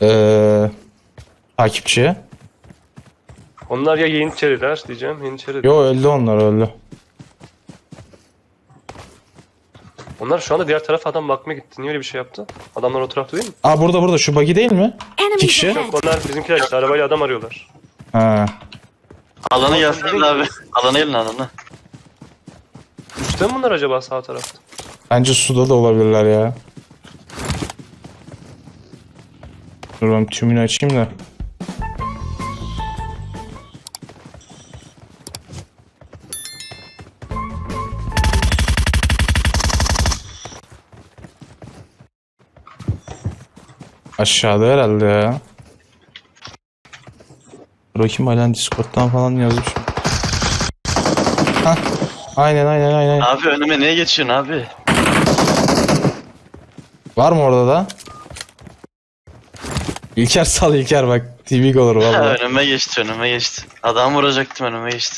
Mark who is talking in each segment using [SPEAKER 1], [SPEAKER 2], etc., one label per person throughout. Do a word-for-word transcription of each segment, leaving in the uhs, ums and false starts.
[SPEAKER 1] Ee, takipçi.
[SPEAKER 2] Onlar ya Yeniçeriler diyeceğim. Yeniçeri.
[SPEAKER 1] Yo öldü onlar öldü.
[SPEAKER 2] Onlar şu anda diğer tarafa adam bakmaya gitti. Niye öyle bir şey yaptı? Adamlar o tarafta değil mi?
[SPEAKER 1] Aa burada burada şu buggy değil mi? İki
[SPEAKER 3] Enemies
[SPEAKER 1] kişi.
[SPEAKER 3] ahead.
[SPEAKER 2] Onlar bizimkiler işte arabayla adam arıyorlar.
[SPEAKER 1] Ha.
[SPEAKER 4] Alanı yazsın abi. Alanı elin alanı.
[SPEAKER 2] Üstte mi bunlar acaba sağ tarafta?
[SPEAKER 1] Bence suda da olabilirler ya. Dur ben tümünü açayım da. Aşağıda herhalde ya. Bakayım halen Discord'dan falan yazmış. Hah. Aynen aynen aynen.
[SPEAKER 4] Abi önüme niye geçiyorsun abi?
[SPEAKER 1] Var mı orada da? İlker sal İlker bak. T V olur
[SPEAKER 4] Ha,
[SPEAKER 1] vallahi.
[SPEAKER 4] önüme geçti önüme geçti. Adam vuracaktım önüme geçti.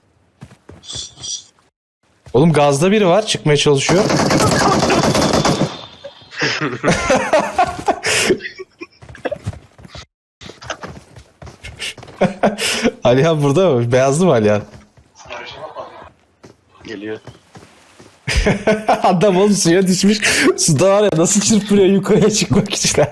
[SPEAKER 1] Oğlum gazda biri var çıkmaya çalışıyor. Alihan burada mı? Beyazlı mı Alihan?
[SPEAKER 4] Geliyor.
[SPEAKER 1] Adam oğlum suya düşmüş. Suda var ya nasıl çırpınıyor yukarıya çıkmak için.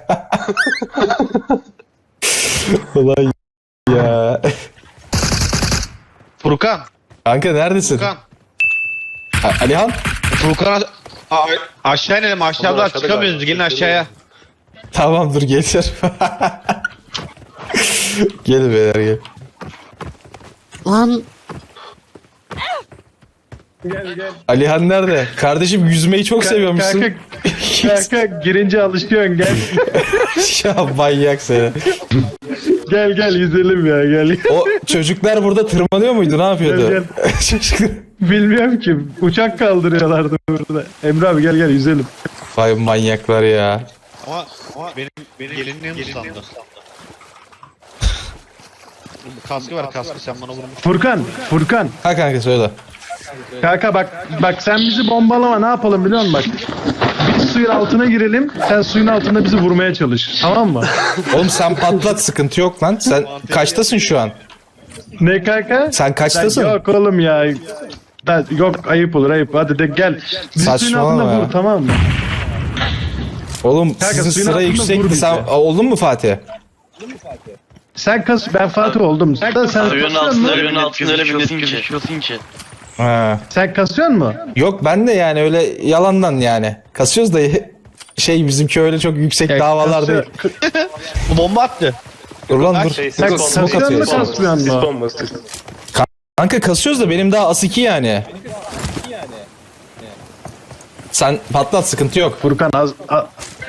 [SPEAKER 1] Ulan ya.
[SPEAKER 5] Furkan.
[SPEAKER 1] Kanka neredesin?
[SPEAKER 5] Furkan.
[SPEAKER 1] A- Alihan?
[SPEAKER 5] Furkan a- a- aşağı inelim aşağıdan
[SPEAKER 2] Onlar aşağıda
[SPEAKER 5] çıkamıyoruz
[SPEAKER 2] galiba.
[SPEAKER 5] gelin aşağıya.
[SPEAKER 1] Tamam dur geliyorum. Gelin beyler gel.
[SPEAKER 3] Lan
[SPEAKER 1] Alihan nerede? Kardeşim yüzmeyi çok seviyormuşsun.
[SPEAKER 6] Kanka girince alışıyorsun gel.
[SPEAKER 1] Ya manyak seni.
[SPEAKER 6] Gel gel yüzelim ya gel.
[SPEAKER 1] O çocuklar burada tırmanıyor muydu? Ne yapıyordu?
[SPEAKER 6] Gel,
[SPEAKER 1] Çocuklar.
[SPEAKER 6] Bilmiyorum ki uçak kaldırıyorlardı burada. Emre abi gel gel yüzelim.
[SPEAKER 1] Vay manyaklar ya.
[SPEAKER 5] Ama, ama benim, benim gelinliğim ıslandı. Kaskı ver kaskı sen bana vurmuş.
[SPEAKER 6] Furkan, Furkan.
[SPEAKER 1] Ha kanka söyle.
[SPEAKER 6] Kanka bak bak sen bizi bombalama ne yapalım biliyor musun bak. Biz suyun altına girelim sen suyun altında bizi vurmaya çalış tamam mı?
[SPEAKER 1] Oğlum sen patlat sıkıntı yok lan. Sen kaçtasın şu an?
[SPEAKER 6] Ne kanka?
[SPEAKER 1] Sen kaçtasın?
[SPEAKER 6] Yok oğlum ya. Ben, yok ayıp olur ayıp hadi de gel. Bizi suyun
[SPEAKER 1] Saçmalama
[SPEAKER 6] altında
[SPEAKER 1] ya.
[SPEAKER 6] vur tamam mı?
[SPEAKER 1] Oğlum
[SPEAKER 6] Kanka,
[SPEAKER 1] sizin
[SPEAKER 6] suyun
[SPEAKER 1] sıra
[SPEAKER 6] altında
[SPEAKER 1] yüksekti.
[SPEAKER 6] vur
[SPEAKER 1] Sen
[SPEAKER 6] bizi.
[SPEAKER 1] oldun mu Fatih?
[SPEAKER 6] Sen kas ben Fatih oldum. Sen, sen
[SPEAKER 4] Suyun
[SPEAKER 6] kasıyor
[SPEAKER 4] altında
[SPEAKER 6] musun?
[SPEAKER 4] suyun altında öyle bir nesin ki. ki.
[SPEAKER 1] Ha.
[SPEAKER 6] Sen kasıyorsun mu?
[SPEAKER 1] Yok ben de yani öyle yalandan yani. Kasıyoruz da şey bizimki öyle çok yüksek davalar değil.
[SPEAKER 5] Bu bomba attı.
[SPEAKER 1] Dur lan dur.
[SPEAKER 2] Şey,
[SPEAKER 6] Sen
[SPEAKER 2] sis
[SPEAKER 1] smoke
[SPEAKER 6] kasıyorsun mu
[SPEAKER 1] atıyor.
[SPEAKER 6] kasmıyorsun
[SPEAKER 2] Sis
[SPEAKER 6] mu?
[SPEAKER 2] bombası.
[SPEAKER 1] Kanka kasıyoruz da benim daha as iki yani. Sen patlat sıkıntı yok.
[SPEAKER 6] Furkan az... az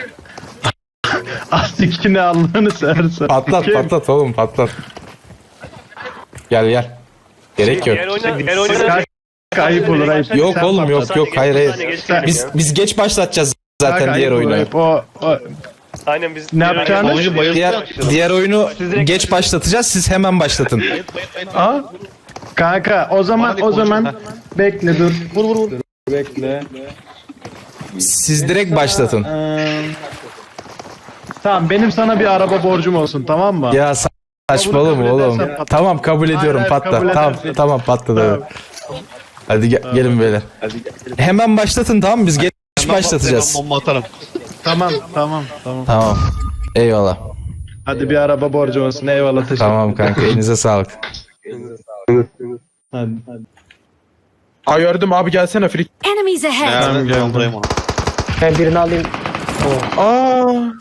[SPEAKER 6] Az ikini Allah'ını seversen.
[SPEAKER 1] Patlat
[SPEAKER 6] Kim?
[SPEAKER 1] patlat oğlum patlat. Gel gel. Gerek yok.
[SPEAKER 2] Diğer oyuna, diğer oyuna
[SPEAKER 6] Kanka ayıp olur ayıp.
[SPEAKER 1] Yok
[SPEAKER 6] Sen
[SPEAKER 1] oğlum yok
[SPEAKER 6] patlat.
[SPEAKER 1] yok hayır hayır.
[SPEAKER 2] Sen-
[SPEAKER 1] Biz biz geç başlatacağız
[SPEAKER 6] Kanka,
[SPEAKER 1] zaten diğer
[SPEAKER 6] ayıp olur,
[SPEAKER 1] oyunu.
[SPEAKER 6] ayıp. O, o,
[SPEAKER 2] Aynen biz
[SPEAKER 6] Ne
[SPEAKER 2] diğer
[SPEAKER 6] yapacağını-
[SPEAKER 2] oyuna-
[SPEAKER 5] Oyuncu bayıldı.
[SPEAKER 1] Diğer diğer oyunu geç başlatacağız. Siz hemen başlatın.
[SPEAKER 6] Aa, kanka o zaman o zaman bekle dur. Vur vur vur. Bekle.
[SPEAKER 1] Siz direkt başlatın.
[SPEAKER 6] Ee, tamam benim sana bir araba borcum olsun tamam mı?
[SPEAKER 1] Ya sa- saçmalama
[SPEAKER 6] kabul
[SPEAKER 1] oğlum.
[SPEAKER 6] edersen patlat.
[SPEAKER 1] Tamam kabul ediyorum
[SPEAKER 6] hayır,
[SPEAKER 1] patla.
[SPEAKER 6] kabul
[SPEAKER 1] Tamam
[SPEAKER 6] edersin.
[SPEAKER 1] tamam patladı.
[SPEAKER 6] Tamam.
[SPEAKER 1] Hadi ge- gelin beyler. Hemen başlatın tamam mı? Biz geç başlatacağız.
[SPEAKER 5] Ben bomba atarım.
[SPEAKER 6] Tamam tamam tamam.
[SPEAKER 1] Tamam. Eyvallah.
[SPEAKER 6] Hadi bir araba borcum olsun eyvallah teşekkür
[SPEAKER 1] Tamam kanka elinize sağlık.
[SPEAKER 6] Hadi.
[SPEAKER 7] Ha gördüm abi gelsene Frik.
[SPEAKER 3] enemies ahead.
[SPEAKER 6] Tamam,
[SPEAKER 5] Nerede?
[SPEAKER 6] geldim.
[SPEAKER 5] Ben vurayım onu.
[SPEAKER 8] Ben birini alayım.
[SPEAKER 7] Aa.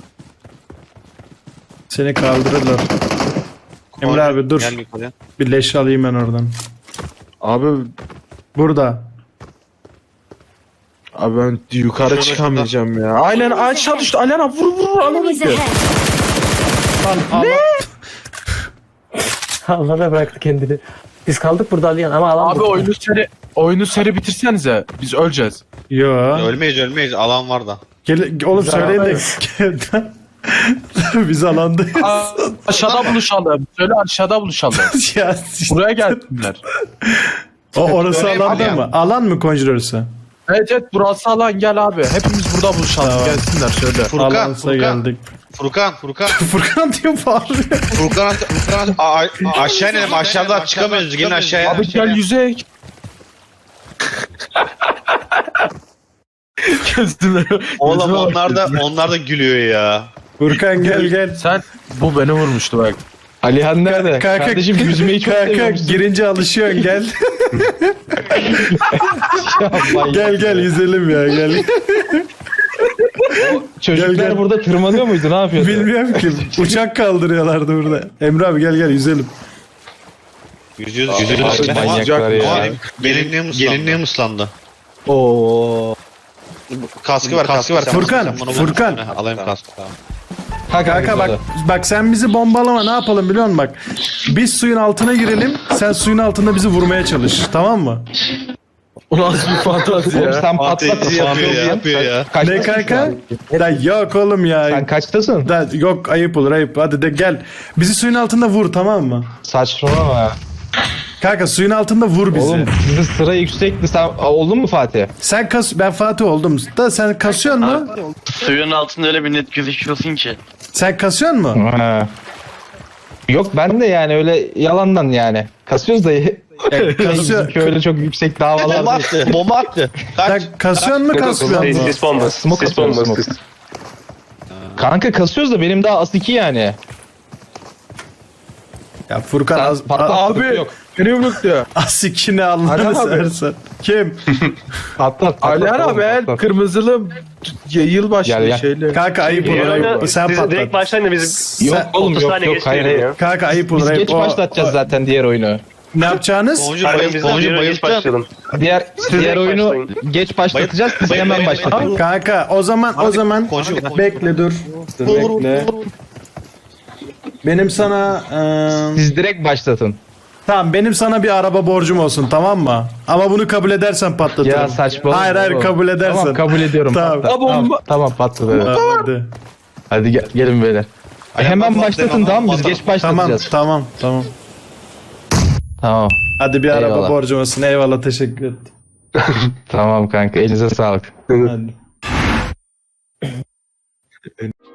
[SPEAKER 6] Seni kaldırırlar. Emre abi dur.
[SPEAKER 5] Gel yukarıya.
[SPEAKER 6] Bir leş alayım ben oradan.
[SPEAKER 7] Abi
[SPEAKER 6] Burada.
[SPEAKER 7] abi ben yukarı çıkamayacağım ya. Aynen aşağı düştü. Alena vur vur alana
[SPEAKER 3] Enemies
[SPEAKER 7] gidiyor.
[SPEAKER 3] ahead.
[SPEAKER 6] Lan, ne?
[SPEAKER 8] Allah'a bıraktı kendini. Biz kaldık burada Aliyan ama alan
[SPEAKER 7] Abi
[SPEAKER 8] bu.
[SPEAKER 7] oyunu seri oyunu seri bitirsenize. Biz öleceğiz.
[SPEAKER 6] Yo.
[SPEAKER 5] Ölmeyiz ölmeyiz alan var da.
[SPEAKER 6] Gel, oğlum söyleyin de. Biz alandayız.
[SPEAKER 7] Aa, aşağıda buluşalım. Söyle aşağıda buluşalım.
[SPEAKER 6] ya,
[SPEAKER 7] Buraya gelsinler.
[SPEAKER 6] o orası
[SPEAKER 5] Öyle
[SPEAKER 6] alanda
[SPEAKER 5] yapalım.
[SPEAKER 6] mı? Alan mı Conjure'sı?
[SPEAKER 7] Evet evet burası alan gel abi. Hepimiz burada buluşalım.
[SPEAKER 6] Tamam.
[SPEAKER 7] Gelsinler söyle.
[SPEAKER 5] Furkan,
[SPEAKER 6] Alansa
[SPEAKER 5] Furkan,
[SPEAKER 6] geldik.
[SPEAKER 5] Furkan, Furkan,
[SPEAKER 6] Furkan diyor bağırıyor.
[SPEAKER 5] Furkan, Furkan, a- a- aşağı inelim, aşağıdan çıkamıyoruz, gelin aşağıya.
[SPEAKER 7] Abi gel yüzek. Gözüme.
[SPEAKER 5] Oğlum
[SPEAKER 7] gözüme
[SPEAKER 5] onlar da,
[SPEAKER 7] bakıyor.
[SPEAKER 5] onlar da gülüyor ya.
[SPEAKER 6] Furkan gel gel.
[SPEAKER 7] Sen bu beni vurmuştu bak.
[SPEAKER 1] Alihan nerede?
[SPEAKER 6] Kanka,
[SPEAKER 1] Kardeşim yüzmeyi çok
[SPEAKER 6] kanka
[SPEAKER 1] seviyormuşsun.
[SPEAKER 6] girince alışıyorsun gel.
[SPEAKER 1] Manyak
[SPEAKER 6] gel gel
[SPEAKER 1] ya.
[SPEAKER 6] yüzelim ya gel.
[SPEAKER 1] Çocuklar
[SPEAKER 6] Gel, gel.
[SPEAKER 1] burada tırmanıyor muydu? Ne yapıyordu?
[SPEAKER 6] Bilmiyorum ki. Uçak kaldırıyorlardı burada. Emre abi gel gel yüzelim.
[SPEAKER 5] Yüzüyoruz, yüzüyoruz.
[SPEAKER 1] Abi, manyaklar ya.
[SPEAKER 5] Benim, benim gelinliğim ıslandı.
[SPEAKER 7] Oo.
[SPEAKER 5] Kaskı var, kaskı var.
[SPEAKER 6] Furkan,
[SPEAKER 5] Sen bana vur.
[SPEAKER 6] Furkan.
[SPEAKER 5] Alayım kaskı. Tamam.
[SPEAKER 1] Ha,
[SPEAKER 6] Kanka bak bak sen bizi bombalama ne yapalım biliyor musun bak. Biz suyun altına girelim. Sen suyun altında bizi vurmaya çalış. Tamam mı?
[SPEAKER 7] O nasıl bir fantazi
[SPEAKER 1] Oğlum
[SPEAKER 7] ya?
[SPEAKER 1] sen patlat
[SPEAKER 5] Fantezi yapıyor ya, yapıyor ya.
[SPEAKER 6] Ne kanka? Da yok oğlum ya.
[SPEAKER 1] Sen kaçtasın?
[SPEAKER 6] Da, yok ayıp olur ayıp. Hadi de gel. Bizi suyun altında vur tamam mı?
[SPEAKER 1] Saçmalama ya.
[SPEAKER 6] Kanka suyun altında vur bizi.
[SPEAKER 1] Oğlum sizin sıra yüksekti. Sen Aa, oldun mu Fatih?
[SPEAKER 6] Sen kas ben Fatih oldum. Da sen kasıyorsun mu?
[SPEAKER 4] Suyun altında öyle bir net gözüküyorsun ki.
[SPEAKER 6] Sen kasıyorsun mu?
[SPEAKER 1] Ha. Yok ben de yani öyle yalandan yani. Kasıyoruz da
[SPEAKER 6] kasıyor.
[SPEAKER 1] bizim öyle çok yüksek
[SPEAKER 5] Bomba
[SPEAKER 1] davalar değil.
[SPEAKER 5] attı, bomba attı.
[SPEAKER 6] Sen
[SPEAKER 5] Kaç.
[SPEAKER 6] kasıyorsun mu kasmıyorsun mu?
[SPEAKER 2] Sis bombası.
[SPEAKER 1] Smoke
[SPEAKER 2] Sis
[SPEAKER 1] atıyoruz,
[SPEAKER 2] bombası.
[SPEAKER 1] smoke. Kanka kasıyoruz da benim daha as iki yani.
[SPEAKER 6] Ya Furkan
[SPEAKER 1] Sen
[SPEAKER 6] az,
[SPEAKER 1] patlat,
[SPEAKER 6] a-
[SPEAKER 7] Abi
[SPEAKER 1] yok.
[SPEAKER 7] beni yumrukluyor.
[SPEAKER 6] az ikini
[SPEAKER 7] Hadi
[SPEAKER 6] Allah'ını
[SPEAKER 7] abi.
[SPEAKER 6] seversen. Kim?
[SPEAKER 1] Patlat patlat.
[SPEAKER 7] Alihan
[SPEAKER 1] oğlum,
[SPEAKER 7] abi el
[SPEAKER 1] patlat.
[SPEAKER 7] kırmızılı y- yılbaşı
[SPEAKER 1] Gel, gel.
[SPEAKER 7] şeyle.
[SPEAKER 6] Kanka ayıp olur
[SPEAKER 2] Yani
[SPEAKER 6] ayıp. Sen
[SPEAKER 2] siz direkt
[SPEAKER 6] patlat.
[SPEAKER 2] başlayın da biz
[SPEAKER 1] Yok
[SPEAKER 6] Sen-
[SPEAKER 1] oğlum
[SPEAKER 2] otuz
[SPEAKER 1] yok
[SPEAKER 2] saniye
[SPEAKER 1] yok
[SPEAKER 2] geç
[SPEAKER 1] hayır
[SPEAKER 2] diyelim
[SPEAKER 1] hayır.
[SPEAKER 2] ya.
[SPEAKER 6] Kanka ayıp olur
[SPEAKER 1] Biz
[SPEAKER 6] ayıp.
[SPEAKER 1] geç
[SPEAKER 6] O-
[SPEAKER 1] başlatacağız
[SPEAKER 6] o-
[SPEAKER 1] zaten diğer oyunu.
[SPEAKER 6] Ne yapacaksınız?
[SPEAKER 5] Boncu
[SPEAKER 2] Aynen
[SPEAKER 5] bayıl,
[SPEAKER 2] biz de
[SPEAKER 5] boncu
[SPEAKER 2] bir geç
[SPEAKER 5] bayılacağım.
[SPEAKER 2] başlayalım.
[SPEAKER 1] Diğer diğer
[SPEAKER 2] direkt
[SPEAKER 1] oyunu
[SPEAKER 2] başlayın.
[SPEAKER 1] geç başlatacağız. Siz
[SPEAKER 5] Bayıl-
[SPEAKER 1] hemen
[SPEAKER 5] bayıl-
[SPEAKER 1] başlatın.
[SPEAKER 6] Kanka o zaman o zaman
[SPEAKER 5] Konuşun.
[SPEAKER 6] bekle dur. Dur bekle. Benim sana eee,
[SPEAKER 1] Siz direkt başlatın.
[SPEAKER 6] tamam benim sana bir araba borcum olsun tamam mı? Ama bunu kabul edersen patlatırım.
[SPEAKER 1] Ya saçmalama.
[SPEAKER 6] Hayır hayır
[SPEAKER 1] oğlum.
[SPEAKER 6] kabul edersen.
[SPEAKER 1] Tamam kabul ediyorum.
[SPEAKER 6] Tamam.
[SPEAKER 1] Patlat.
[SPEAKER 7] Tamam.
[SPEAKER 1] Tamam, tamam patlat. Evet.
[SPEAKER 6] Tamam, hadi.
[SPEAKER 1] Hadi gel, gelin beyler. E, hemen
[SPEAKER 5] patlat,
[SPEAKER 1] başlatın
[SPEAKER 5] hemen
[SPEAKER 1] tamam mı? Biz
[SPEAKER 5] patlat.
[SPEAKER 1] geç
[SPEAKER 6] Tamam
[SPEAKER 1] başlatacağız.
[SPEAKER 6] tamam tamam.
[SPEAKER 1] Tamam.
[SPEAKER 6] Hadi bir araba
[SPEAKER 1] Eyvallah.
[SPEAKER 6] borcum olsun. Eyvallah teşekkür ederim.
[SPEAKER 1] Tamam kanka elinize sağlık.
[SPEAKER 6] Hadi.